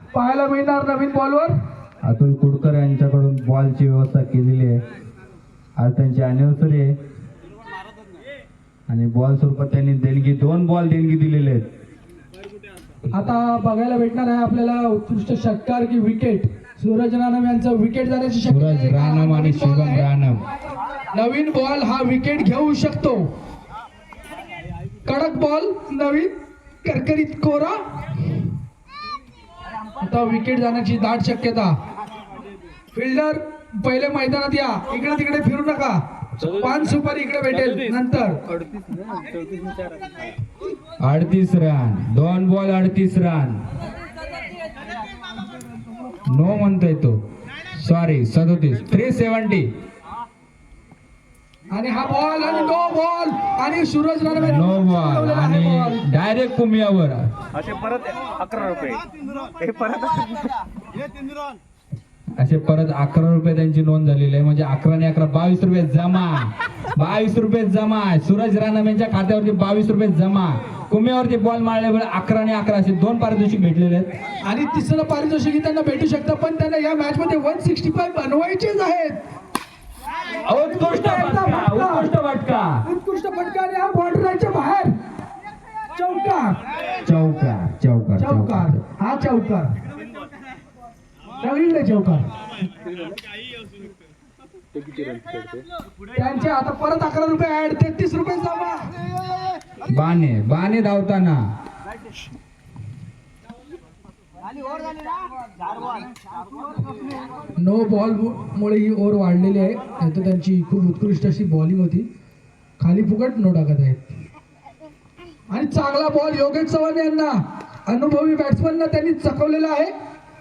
पाहायला मिळणार नवीन बॉलवर. अतुल कुडकर यांच्याकडून बॉलची व्यवस्था केलेली आहे. आज त्यांची अॅनिव्हर्सरी आहे आणि बॉल स्वरूपात त्यांनी देणगी 2 बॉल देणगी दिलेले आहेत. आता बघायला भेटणार आहे आपल्याला उत्कृष्ट षटकार की विकेट. सूरज राणम यांचं विकेट जाण्याची शक्यता सूरज आहे. राणम आणि शुभम राणम. नवीन बॉल हा विकेट घेऊ शकतो. कडक बॉल, नवीन करकरीत कोरा. आता विकेट जाण्याची दाट शक्यता. फिल्डर पहिले मैदानात या, इकडे तिकडे फिरू नका. 5 सुपर इकडे भेटेल नंतर. 38 रन, 2 बॉल 38 रन. नो म्हणतोय तो, सॉरी 37, 370. आणि हा बॉल आणि नो बॉल आणि सूरज राणा नो बॉल आणि डायरेक्ट कुमियावर. असे परत 11 रुपये. हे परत असे परत 11 रुपये त्यांची नोंद झालेली आहे. म्हणजे 11 आणि 11 22 रुपये जमा. 22 रुपये जमा. सूरज राणा यांच्या खात्यावरती 22 रुपये जमा. कुमियावरती बॉल मारल्यामुळे 11 आणि 11 असे 2 पारितोषिक भेटलेले आहेत. आणि तिसरं पारितोषिक त्यांना भेटू शकतं, पण त्यांना या मॅच मध्ये 165 बनवायचेच आहेत. उत्कृष्ट फटका. उत्कृष्ट फटका आणि हा बॉर्डरच्या बाहेर. चौकार चौकार चौकार चौकार हा चौकार. नवीन चौकार. त्यांचे आता परत 11 रुपये ऍड, 33 रुपये जमा. बाने बाने धावताना. नो बॉल मुळे ही ओव्हर वाढलेली आहे. नाहीतर त्यांची खूप उत्कृष्ट अशी बॉलिंग होती. खाली फुकट नो टाकत आहेत. आणि चांगला बॉल योगेश चव्हाण यांना, अनुभवी बॅट्समनना त्यांनी चकवलेला आहे.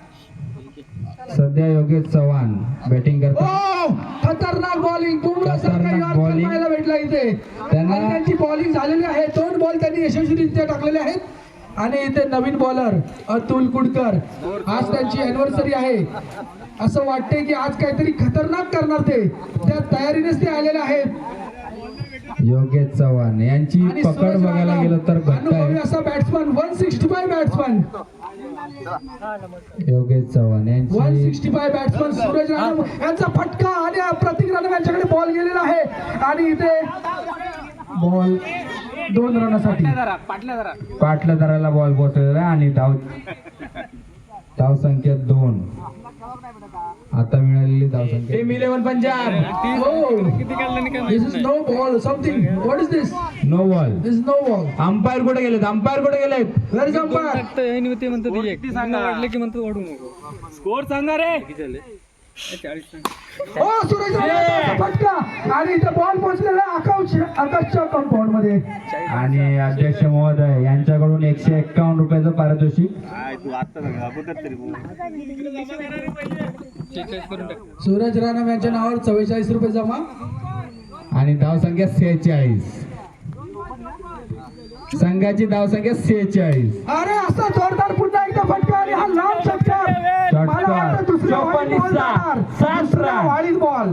सध्या योगेश चव्हाण बॅटिंग करतात. ओ खतरनाक बॉलिंग. खतरनाक bowling. भेटला इथे. त्यांना- आणि त्यांची बॉलिंग झालेली आहे. 2 बॉल त्यांनी यशस्वीरित्या टाकलेले आहेत. आणि इथे नवीन बॉलर अतुल कुडकर. आज त्यांची अॅनिव्हर्सरी आहे. असं वाटतंय की आज काहीतरी खतरनाक करणार ते. त्या तयारीनेच ते आलेले आहेत. योगेश चव्हाण यांची आणि पकड सूरज बघायला राणा, गेलं तर घट्ट अनुभवी आहे. असा बॅट्समन, 165 बॅट्समन. योगेश चव्हाण यांची 165 बॅट्समन सूरज राणा यांचा फटका आणि प्रतीक राणा यांच्याकडे बॉल गेलेला आहे. आणि इथे बॉल 2 रनासाठी. पाटलादाराला बॉल पोहोचलेला आहे आणि धाव संख्या 2. आता मिळालेली धाव संख्या team 11 Punjab. This is no ball, something. What is this? No ball. This is no ball. Umpire कुठे गेलेत? अंपायर कुठे गेलेत? Where is umpire? स्कोर सांगा रे. Oh, सूरज राणा यांचा फटका आणि इथे बॉल पोहोचलेला आहे आकाशच्या कंपाऊंड मध्ये. आणि अध्यक्ष महोदय यांच्याकडून 151 रुपयाचं पारितोषिक. तू आता सांगा अगोदर तरी बोल. सूरज राणा यांच्या नावावर 44 रुपये जमा. आणि धाव संख्या 46. संघाची धाव संख्या 46. अरे असा जोरदार पुन्हा एकदा फटका आणि हा लांब षटकार. मला वाटतं दुसरा वाळीत बॉल जाणार. दुसरा वाळीत बॉल.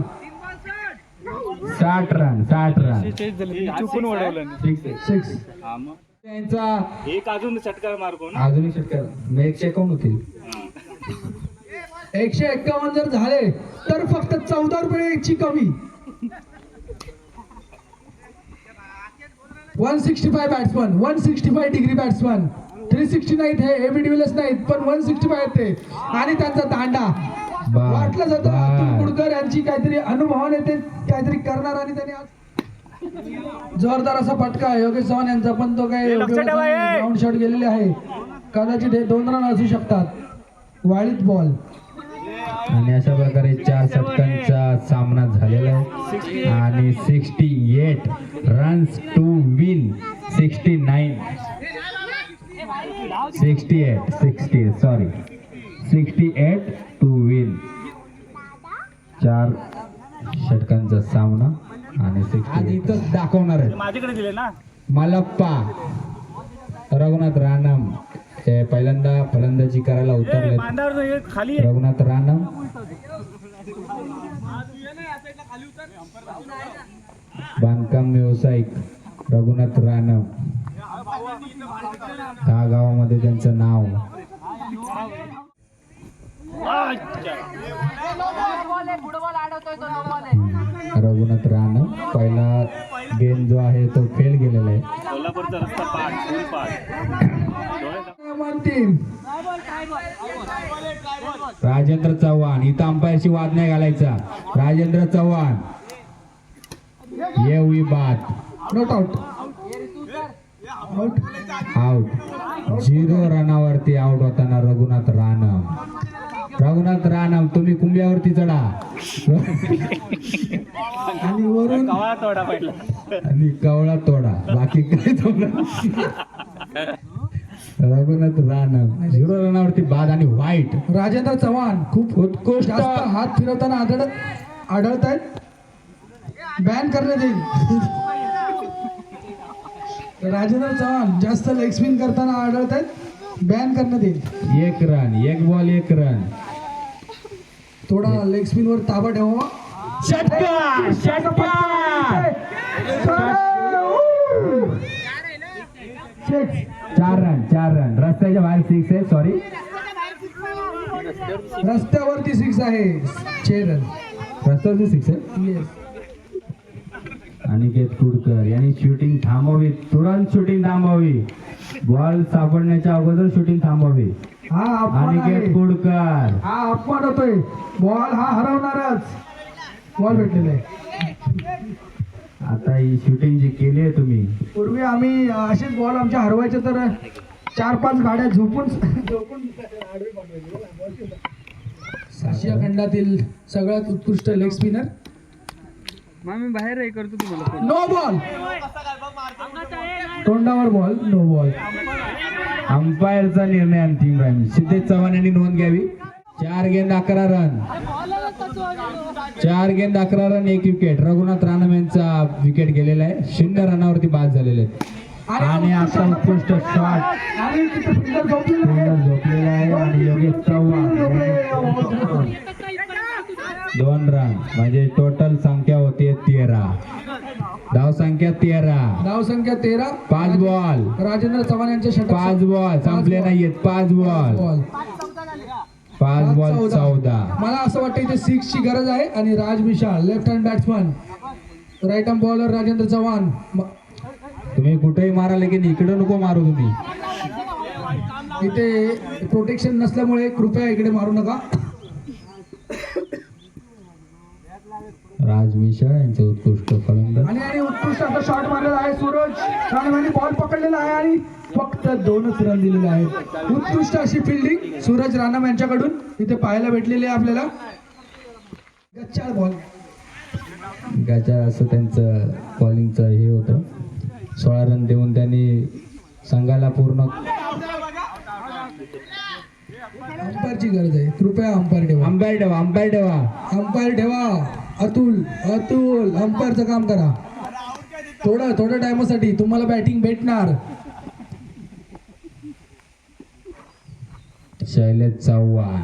60 रन. 60 रन. चुकून वाढवलं. 6. त्यांचा एक अजून षटकार मार कोण. अजूनही षटकार 151 होतील. 151 जर झाले तर फक्त 14 रुपयाची कमी. 165 बॅट्समन, 165 डिग्री बॅट्समन. 360 नाहीत हे, एबी डिव्हिलियर्स नाहीत, पण 165 आहेत ते. आणि त्यांचा दांडा वाटलं जातं अतुल कुडकर यांची काहीतरी अनुभवाने ते काहीतरी करणार. आणि त्यांनी आज जोरदार असा फटका योगेश चव्हाण यांचा, पण तो काही ग्राउंड शॉट गेलेले आहे. कदाचित हे 2 रन असू शकतात. वाळीत बॉल. आणि अशा प्रकारे 4 षटकांचा सामना झालेला आहे. आणि 68 runs to win 69. 68 to win. 4 षटकांचा सामना आणि 68 इथंच दाखवणार आहेत. माझ्याकडे दिले ना. मलप्पा रघुनाथ राणम ते पहिल्यांदा फलंदाजी करायला उतरले. बांधावर खाली आहे. रघुनाथ राणम बांधकाम व्यावसायिक रघुनाथ राणम. त्या गावामध्ये त्यांचं नाव. रघुनाथ राणा पहिला गेम जो आहे तो फेल गेलेला आहे. कोल्हापूरचा रस्ता पाठ फुल पाठ टीम राजेंद्र चव्हाण इथं अंपायरशी वाद नाही घालायचा. राजेंद्र चव्हाण ये हुई बात. Not out out out. 0 रनावरती आउट होताना रघुनाथ राणम. रघुनाथ राणम तुम्ही कुंब्यावरती चढा आणि वरून कवा तोडा पहिला आणि कवळा तोडा बाकी काय तोडा. रघुनाथ राणम 0 रनावरती बाद आणि वाईट. राजेंद्र चव्हाण खूप उत्कृष्ट जास्त हात फिरवताना आढळत आहेत. बॅन करण्यात येईल. राजेंद्र चव्हाण जास्त लेग स्पिन करताना आढळत आहेत. बॅन करण्यात येईल. 1 रन 1 बॉल 1 रन. थोडा लेग स्पिन वर ताबा ठेवा. षटकार षटकार 4 रन 4 रन. रस्त्याच्या बाहेर 6 आहे. सॉरी रस्त्यावरती 6 आहे. 6 रन. रस्त्यावरती 6 आहे. येस. अनिकेत कुडकर यांनी शूटिंग थांबवावी. तुरंत शूटिंग थांबवावी. बॉल सापडण्याच्या अगोदर शूटिंग थांबवावी. हा अपमान आहे. अनिकेत कुडकर हा अपमान होतोय. बॉल हा हरवणारच. बॉल भेटलेला आहे. आता ही शूटिंग जी केली आहे तुम्ही पूर्वी आम्ही असेच बॉल आमच्या हरवायचे तर 4-5 गाड्या झोपून आशिया खंडातील सगळ्यात उत्कृष्ट लेग स्पिनर. मी बाहेर हे करतो तुम्हाला नो बॉल. तोंडावर बॉल. No ball. अंपायरचा निर्णय अंतिम राहील. सिद्धेश चव्हाण यांनी नोंद घ्यावी. 4 गेंद 11 रन. 4 गेंद 11 रन 1 विकेट. रघुनाथ राणम यांचा विकेट गेलेला आहे. 0 रनावरती बाद झालेले आहेत. आणि आता उत्कृष्ट शॉट आणि तिथे फिल्डर झोपलेला आहे. झोपलेला आहे आणि योगेश चव्हाण 2 रन म्हणजे टोटल संख्या होते 13. धाव संख्या 13. धाव संख्या 13. 5 बॉल. राजेंद्र चव्हाण यांच्या षटक. 5 बॉल संपले नाहीयेत. 5 बॉल. 5 बॉल 14. मला असं वाटतं इथे 6 ची गरज आहे. आणि Raj Vishal left hand batsman. Right hand bowler Rajendra Chavan. तुम्ही कुठेही मारा लेकिन इकडे नको मारू तुम्ही. इथे प्रोटेक्शन नसल्यामुळे कृपया इकडे मारू नका. राज मिश्रा यांचे उत्कृष्ट फलंदाज. आणि उत्कृष्ट आता शॉट मारलेला आहे. सूरज राणेंनी बॉल पकडलेला आहे आणि फक्त 2च रन दिलेले आहेत. उत्कृष्ट अशी फिल्डिंग सूरज राणा यांच्याकडून इथे पाहायला भेटलेली आहे आपल्याला. गच्चाळ बॉल. गाच्या असं त्यांचं बॉलिंगचं हे होतं. 16 रन देऊन त्यांनी संघाला पूर्ण. अंपायरची गरज आहे. कृपया अंपायर ठेवा. अंपायर ठेवा. अंपायर ठेवा. अंपायर ठेवा. अतुल अंपायरचं काम करा. थोड्या टायमासाठी तुम्हाला बॅटिंग भेटणार. शैलेश चव्हाण.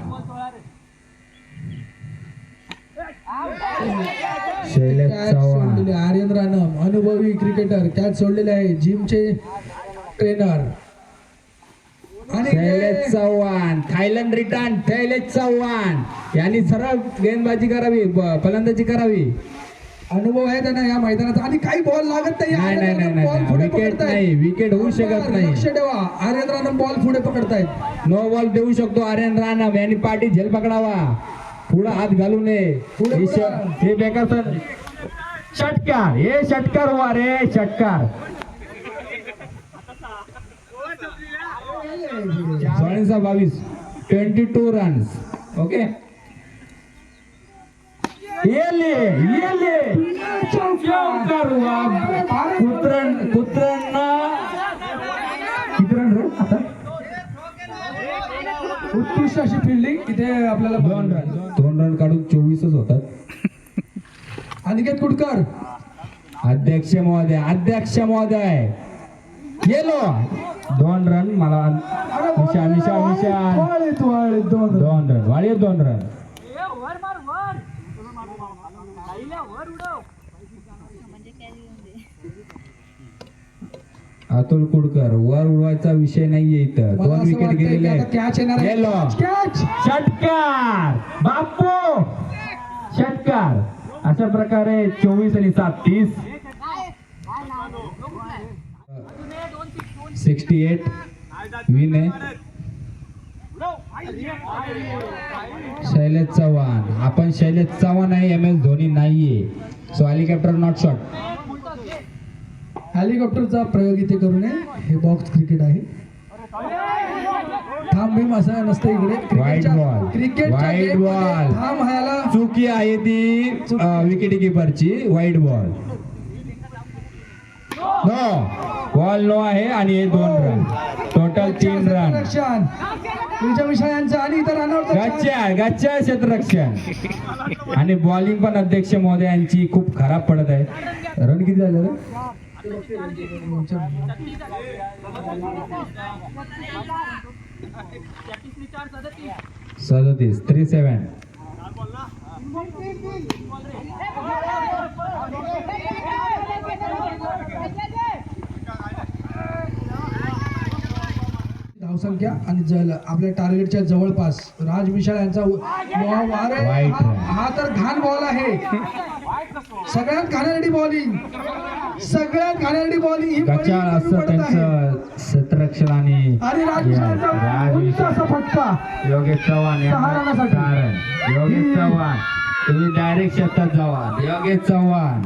शैलेश कॅच चव्हाण सोडलेले आर्यन राणम अनुभवी क्रिकेटर. कॅच सोडलेले आहे. जिमचे ट्रेनर. आणि शैलेश चव्हाण थायलंड रिटर्न. शैलेश चव्हाण यांनी सरळ गेंदबाजी करावी. फलंदाजी करावी. अनुभव आहे त्यांना या मैदानाचा. आणि काही बॉल लागत नाही नाही नाही बॉल नाही पुढे विकेट पकडतायत. नाही. विकेट होऊ शकत नाही. लक्ष ठेवा. आर्यन राणम बॉल पुढे पकडतायत. नो बॉल देऊ शकतो आर्यन राणम यांनी पाठी झेल पकडावा. पुढे हात घालू नये. पुढे. हे बेकार सर. षटकार. हे षटकार हुआ रे षटकार. 22 22 रन्स. ओके चौकार हुआ. कुत्र्यांना किती रन रे आता? उत्कृष्ट अशी फिल्डिंग इथे आपल्याला 2 रन काढून 24च होतात. अनिकेत कुडकर. अध्यक्ष महोदय गेलो. 2 रन मला. निशान 2 2 रन वाढीव 2 रन. अतुल कुडकर वर उडवायचा विषय नाहीये इथं. मला 2 असं विकेट वाटतंय की गेलेले आता कॅच येणार आहे. गेलो. कॅच. षटकार बापू षटकार. अशा प्रकारे 24 आणि 7 30 68 विन आहे. शैलेश चव्हाण. आपण शैलेश चव्हाण आहे, MS धोनी नाहीये. So helicopter not shot. हेलिकॉप्टरचा प्रयोग इथे करू नये. हे बॉक्स क्रिकेट आहे. थांब भीम असं नसतं इकडे. Wide ball. क्रिकेटच्या वाईड game मध्ये बॉल. थांब ह्याला चुकी आहे ती विकेट किपरची. Wide ball. No ball no आहे आणि हे 2 रन. Total 3 run. रक्षण तुमच्या विषयांचं आणि इतर गच्च्या क्षेत्ररक्षण आणि बॉलिंग पण अध्यक्ष महोदयांची खूप खराब पडत आहे. रन किती झाले रे? 37 37. धावसंख्या आणि आपल्या टार्गेटच्या जवळपास राज मिशाळ यांचा White run. हा तर घाण बॉल आहे. सगळ्यात घाणेरडी बॉलिंग. सगळ्यात घाणेरडी बॉलिंग ही गच्चाळ बळी असं पडत आहे. त्यांचं क्षेत्ररक्षण आणि आणि राज मिशाळचा उंच असा फटका. योगेश चव्हाण यांना 6 रनासाठी. 6 रन. योगेश चव्हाण तुम्ही डायरेक्ट शेतात जावा. योगेश चव्हाण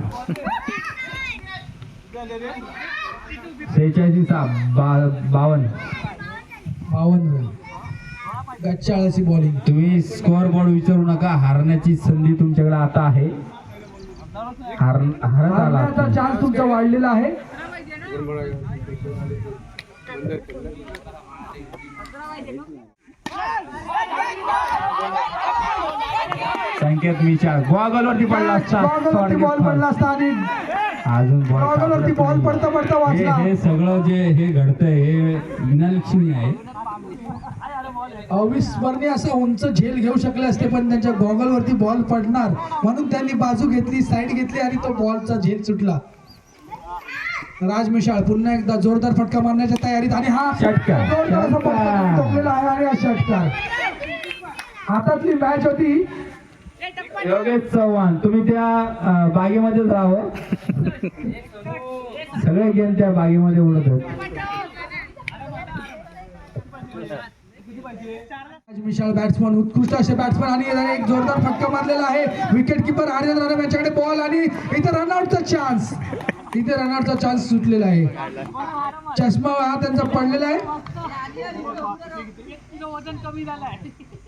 46 52. 52 रन. गच्चाळाची बॉलिंग. तुम्ही स्कोअर बोर्ड विचारू नका. हारण्याची संधी तुमच्याकडे आता आहे. हरत आला हारण्याचा चान्स तुमचा वाढलेला आहे. संकेत मिशाळ गॉगलवरती पडला असता. गॉगलवरती बॉल पडला असता आणि अजून गॉगलवरती बॉल पडता पडता वाचला. हे सगळं जे हे घडतंय हे विनालक्षणी आहे. अविस्मरणीय असा उंच झेल घेऊ शकले असते पण त्यांच्या गॉगलवरती बॉल पडणार म्हणून त्यांनी बाजू घेतली, साईड घेतली आणि तो बॉलचा झेल सुटला. राज मिशाळ पुन्हा एकदा जोरदार फटका मारण्याच्या तयारीत आणि हा षटकार. जोरदार असा फटका ठोकलेला आहे आणि हा षटकार. हातातली मॅच होती. योगेश चव्हाण तुम्ही त्या बागेमध्येच राहावं. सगळे गेम त्या बागेमध्ये उडत आहेत. राज मिशाळ बॅट्समन उत्कृष्ट असे बॅट्समन आणि याने एक जोरदार फटका मारलेला आहे. विकेट किपर आर्यन राणा यांच्याकडे बॉल आणि इथे रनआउटचा चान्स. इथे रनआउटचा चान्स सुटलेला आहे. चष्मा हा त्यांचा पडलेला आहे. वजन कमी झालंय.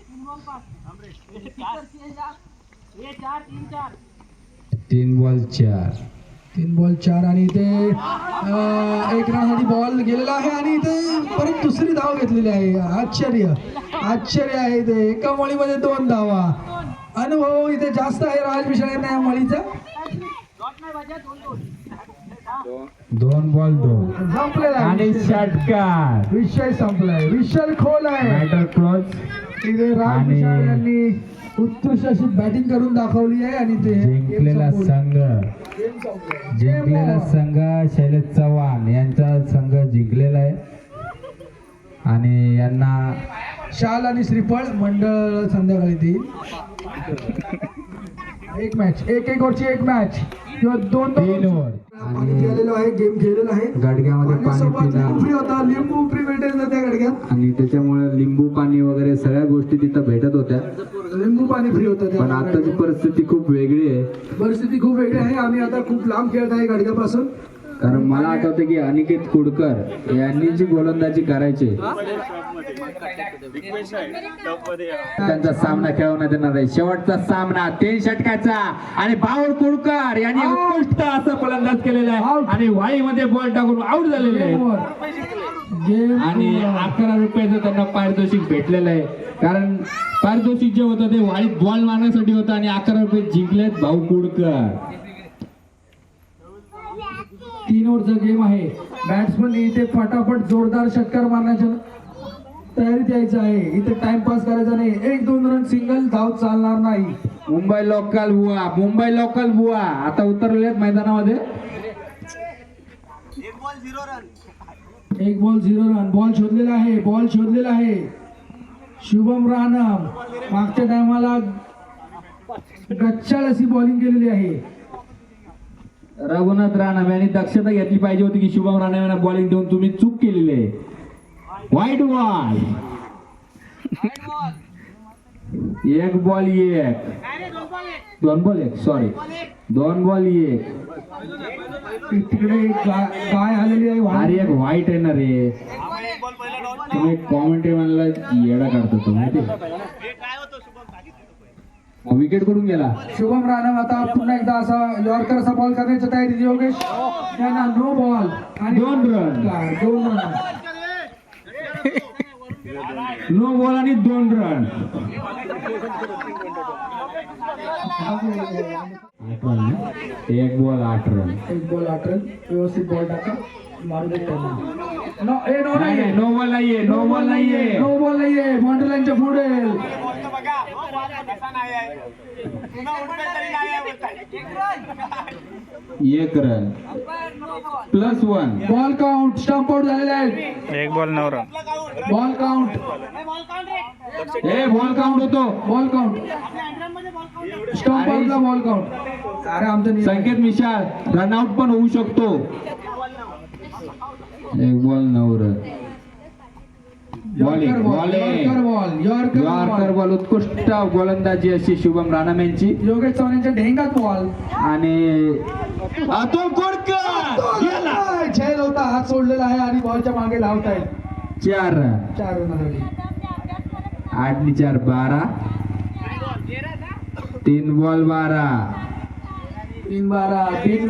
3 बॉल 4. 3 बॉल 4 आणि इथे 1 रनसाठी बॉल गेलेला आहे आणि इथे परत दुसरी धाव घेतलेली आहे. आश्चर्य आहे इथे. एका मळीमध्ये 2 धावा. अनुभव इथे जास्त आहे राज मिशाळ यांना या मळीचा. 2 बॉल 2 संपलेला आणि आहे. षटकार. विषय संपलाय. विषय खोल आहे. Matter close. इथे राज आणि मिशाळ यांनी उत्कृष्ट अशी बॅटिंग करून दाखवली आहे आणि ते जिंकलेला संघ शैलेश चव्हाण यांचा संघ जिंकलेला आहे आणि यांना शाल आणि श्रीफळ मंडळ संध्याकाळी देईल. एक मॅच एक ओव्हरची एक मॅच किंवा 3 ओव्हर पाणी खेळलेलं आहे. गेम खेळलेला आहे. गाडग्यामध्ये पाणी पाण्यासोबत लिंबू पिणं फ्री होता. लिंबू फ्री भेटेल ना त्या गाडग्यात. आणि त्याच्यामुळे लिंबू पाणी वगैरे सगळ्या गोष्टी तिथं भेटत होत्या. लिंबू पाणी फ्री होतं त्या पण आताची परिस्थिती खूप वेगळी आहे. परिस्थिती खूप वेगळी आहे. आम्ही आता खूप लांब खेळत आहे गाडग्यापासून. कारण मला आठवतं की अनिकेत कुडकर यांनी जी गोलंदाजी करायची त्यांचा सामना खेळवण्यात येणार आहे. शेवटचा सामना 3 षटकाचा आणि बावळ कुडकर यांनी उत्कृष्ट असं फलंदाज केलेला आहे आणि वाळीमध्ये बॉल टाकून आउट झालेले आहे गेम आणि 11 रुपयाचं त्यांना पारितोषिक भेटलेलं आहे. कारण पारितोषिक जे होतं ते वाळीत बॉल मारण्यासाठी होतं आणि 11 रुपये जिंकलेत भाऊ कुडकर. 3 ओव्हरचा गेम आहे. बॅट्समन इथे फटाफट जोरदार षटकार मारण्याच्या तयारीत यायचं आहे. इथे टाइमपास करायचा नाही. 1-2 रन सिंगल धाव चालणार नाही. मुंबई लोकल बुवा आता उतरलेत मैदानामध्ये. एक बॉल 0 रन. बॉल शोधलेला आहे शुभम राणम. मागच्या टायमाला गच्चाळ अशी बॉलिंग केलेली आहे. रघुनाथ राणा यांनी दक्षता घेतली पाहिजे होती की शुभम राणा यांना बॉलिंग देऊन तुम्ही चूक केलेली आहे. वाईट बॉल. एक बॉल एक. दोन बॉल एक सॉरी 2 बॉल 1. तिकडे एक गाय आलेली आहे. अरे एक वाईट आहे ना रे. तुम्ही कॉमेंट्री म्हणला येडा काढतो तुम्ही. विकेट कडून गेला. शुभम राणा आता पुन्हा एकदा असा यॉर्कर असा बॉल करण्याची तयारी. योगेश यांना नो बॉल आणि 2 रन. 2 रन. नो बॉल आणि 2 run. 1 ball 8 run. 1 ball 8 run. व्यवस्थित बॉल टाका. मारू दे त्यांना. नो नाही नो बॉल नाहीये. नो बॉल नाहीये. नो बॉल नाहीये. बाउंड्रीलाईनच्या पुढे. 1 run +1. Ball count. Stump out झालेले आहे. 1 ball 9 run. Ball count. Ball count होतो. Ball count. स्टंप आउटला बॉल काउंट. अरे आमचं नियम आहे. संकेत मिशाल रनआउट पण होऊ शकतो. 1 ball 9 run. Yorker ball. Yorker ball उत्कृष्ट गोलंदाजी अशी शुभम राणा यांची. योगेश चव्हाण यांच्या ढेंगात बॉल. आणि अतुल कोडकर गेला. झेल होता. हात सोडलेला आहे आणि बॉलच्या मागे लावतायत. 4 रन. 4 रनासाठी. 8 आणि 4 12. 3 बॉल 12. 3-12.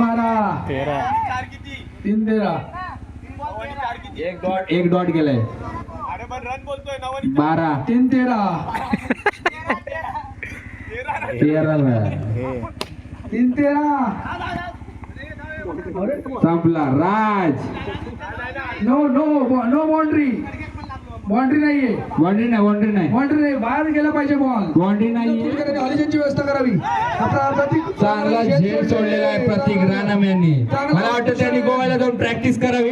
3-13. 1 डॉट गेलाय. 12. 3-13. 13 रन. 3-13. संपला. राज. No boundary. बाउंड्री नाहीये. बाउंड्री नाही. बाउंड्री नाही. बाहेर गेला पाहिजे बॉल. बाउंड्री नाहीये. हॉलिडेची व्यवस्था करावी. आता प्रतीक चांगला झेल सोडलेला आहे प्रतीक राणम यांनी. मला वाटतं त्यांनी गोव्याला जाऊन प्रॅक्टिस करावी.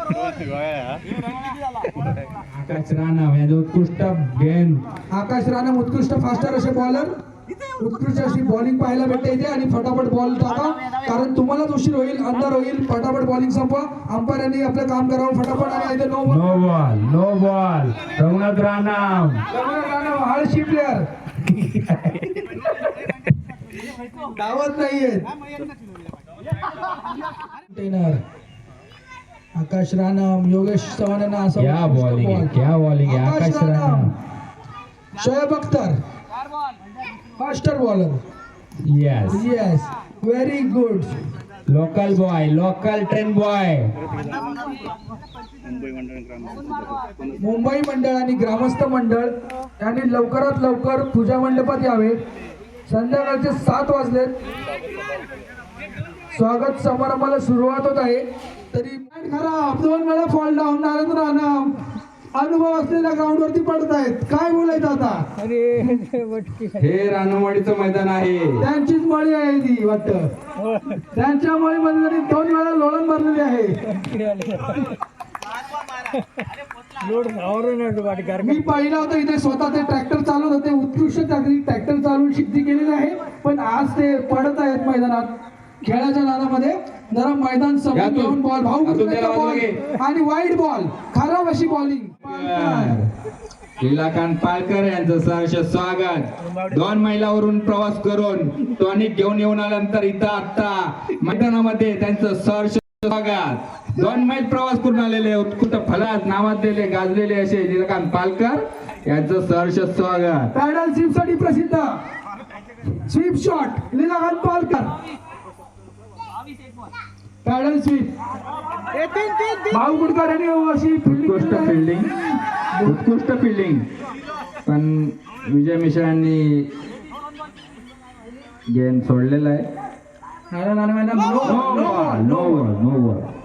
आकाश राणम यांचा उत्कृष्ट गेम. आकाश राणा उत्कृष्ट फास्टर असे बॉलर. उत्कृष्ट अशी बॉलिंग पाहायला भेटते इथे. आणि फटाफट बॉल टाका कारण तुम्हालाच उशीर होईल. अंधार होईल. फटाफट बॉलिंग संपवा. अंपायरांनी आपलं काम करावं फटाफट. आणि इथे नो बॉल. रघुनाथ राणम. हळशी प्लेअर धावत नाहीये. टेनर आकाश राणम. योगेश चव्हाण यांना असं क्या बॉलिंग है Akash Ranam. Shoaib Akhtar faster bowler. Yes very good. Local boy. Local train boy. Mumbai मंडळ आणि ग्रामस्थ मंडळ यांनी लवकरात लवकर पूजा मंडपात यावे. संध्याकाळचे 7 वाजलेत. स्वागत समारंभाला सुरुवात होत आहे. तरी खराब 2 वेळा फॉल डाऊन. नारायण राणम अनुभव असलेल्या ग्राउंड वरती पडत आहेत. काय बोलायचं आता. हे रानवाडीचं मैदान आहे. त्यांचीच मळी आहे ती वाटतं. त्यांच्या मळीमध्ये तरी 2 वेळा लोळण भरलेली आहे. मी पाहिलं होतं इथे स्वतः ते ट्रॅक्टर चालवत होते. उत्कृष्ट ट्रॅक्टर चालवून सिद्धी केलेली आहे. पण आज ते पडत आहेत मैदानात. खेळाच्या नादामध्ये जरा मैदान समोर घेऊन बॉल भाऊ बॉल आणि वाईट बॉल. खराब अशी बॉलिंग. लीलाकांत पालकर यांचं सहर्ष स्वागत. 2 मैलावरून प्रवास करून टॉनिक घेऊन येऊन आल्यानंतर इथं आता मैदानामध्ये त्यांचं सहर्ष स्वागत. 2 मैल प्रवास करून आलेले उत्कृष्ट फलास नावाजलेले गाजलेले असे लीलाकांत पालकर यांचं सहर्ष स्वागत. पॅडल स्वीप साठी प्रसिद्ध sweep shot Leelakant Palkar. Paddle sweep भाऊ गुडकर यांनी अशी उत्कृष्ट फिल्डिंग पण विजय मिश्रा यांनी गेम सोडलेला आहे. No ball.